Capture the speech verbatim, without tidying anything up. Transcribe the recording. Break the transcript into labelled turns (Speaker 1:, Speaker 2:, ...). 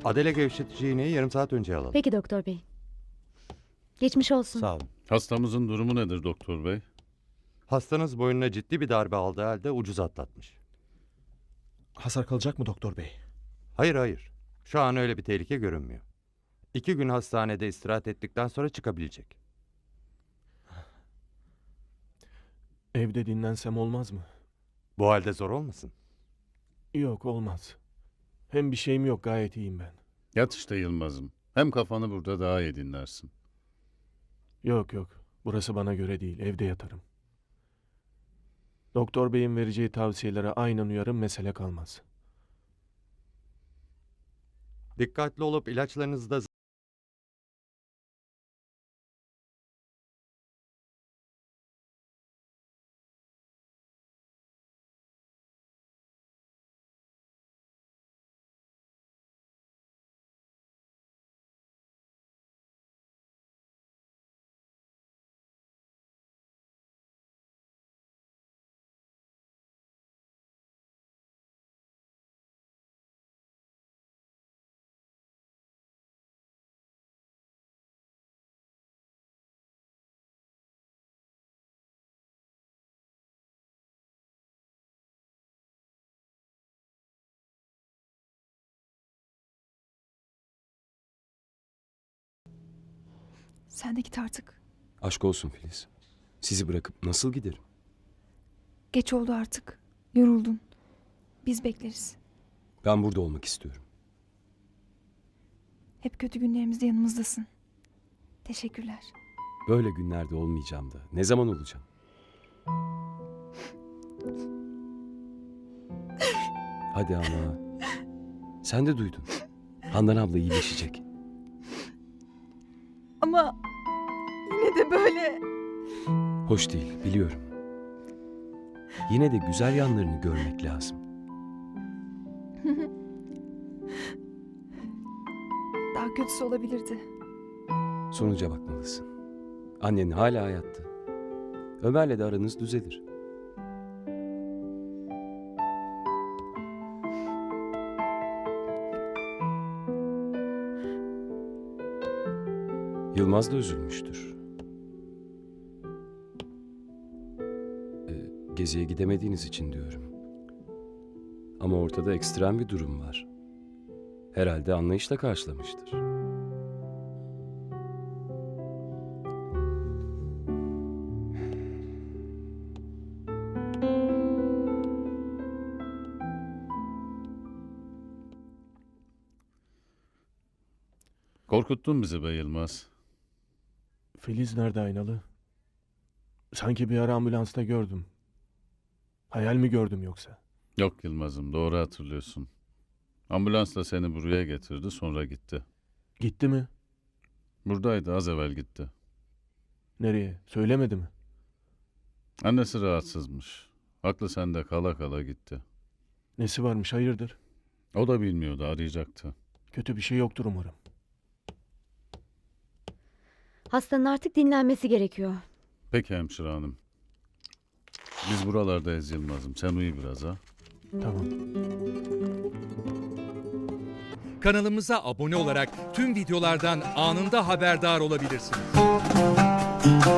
Speaker 1: Adele gevşetici iğneyi yarım saat önce alalım.
Speaker 2: Peki doktor bey. Geçmiş olsun.
Speaker 1: Sağ olun.
Speaker 3: Hastamızın durumu nedir doktor bey?
Speaker 1: Hastanız boynuna ciddi bir darbe aldığı halde ucuz atlatmış.
Speaker 4: Hasar kalacak mı doktor bey?
Speaker 1: Hayır hayır. Şu an öyle bir tehlike görünmüyor. İki gün hastanede istirahat ettikten sonra çıkabilecek.
Speaker 4: Evde dinlensem olmaz mı?
Speaker 1: Bu halde zor olmasın?
Speaker 4: Yok, olmaz. Hem bir şeyim yok, gayet iyiyim ben.
Speaker 3: Yat işte Yılmaz'ım. Hem kafanı burada daha iyi dinlersin.
Speaker 4: Yok yok, burası bana göre değil, evde yatarım. Doktor beyin vereceği tavsiyelere aynen uyarım, mesele kalmaz.
Speaker 1: Dikkatli olup ilaçlarınızı da
Speaker 5: Sen de git artık.
Speaker 6: Aşk olsun Filiz. Sizi bırakıp nasıl giderim?
Speaker 5: Geç oldu artık. Yoruldun. Biz bekleriz.
Speaker 6: Ben burada olmak istiyorum.
Speaker 5: Hep kötü günlerimizde yanımızdasın. Teşekkürler.
Speaker 6: Böyle günlerde olmayacağım da. Ne zaman olacağım? Hadi ama. Sen de duydun. Handan abla iyileşecek.
Speaker 5: Ama yine de böyle.
Speaker 6: Hoş değil, biliyorum. Yine de güzel yanlarını görmek lazım.
Speaker 5: Daha kötüsü olabilirdi.
Speaker 6: Sonuca bakmalısın. Annen hala hayatta. Ömer'le de aranız düzelir. Yılmaz da üzülmüştür. Ee, geziye gidemediğiniz için diyorum. Ama ortada ekstrem bir durum var. Herhalde anlayışla karşılamıştır.
Speaker 3: Korkuttun bizi be Yılmaz.
Speaker 4: Filiz nerede Aynalı? Sanki bir ara ambulansta gördüm. Hayal mi gördüm yoksa?
Speaker 3: Yok Yılmaz'ım, doğru hatırlıyorsun. Ambulansla seni buraya getirdi, sonra gitti.
Speaker 4: Gitti mi?
Speaker 3: Buradaydı, az evvel gitti.
Speaker 4: Nereye? Söylemedi mi?
Speaker 3: Annesi rahatsızmış. Aklı sende kala kala gitti.
Speaker 4: Nesi varmış, hayırdır?
Speaker 3: O da bilmiyordu, arayacaktı.
Speaker 4: Kötü bir şey yoktur umarım.
Speaker 2: Hastanın artık dinlenmesi gerekiyor.
Speaker 3: Peki hemşire hanım. Biz buralardayız Yılmaz'ım. Sen uyu biraz ha.
Speaker 4: Tamam.
Speaker 7: Kanalımıza abone olarak tüm videolardan anında haberdar olabilirsiniz.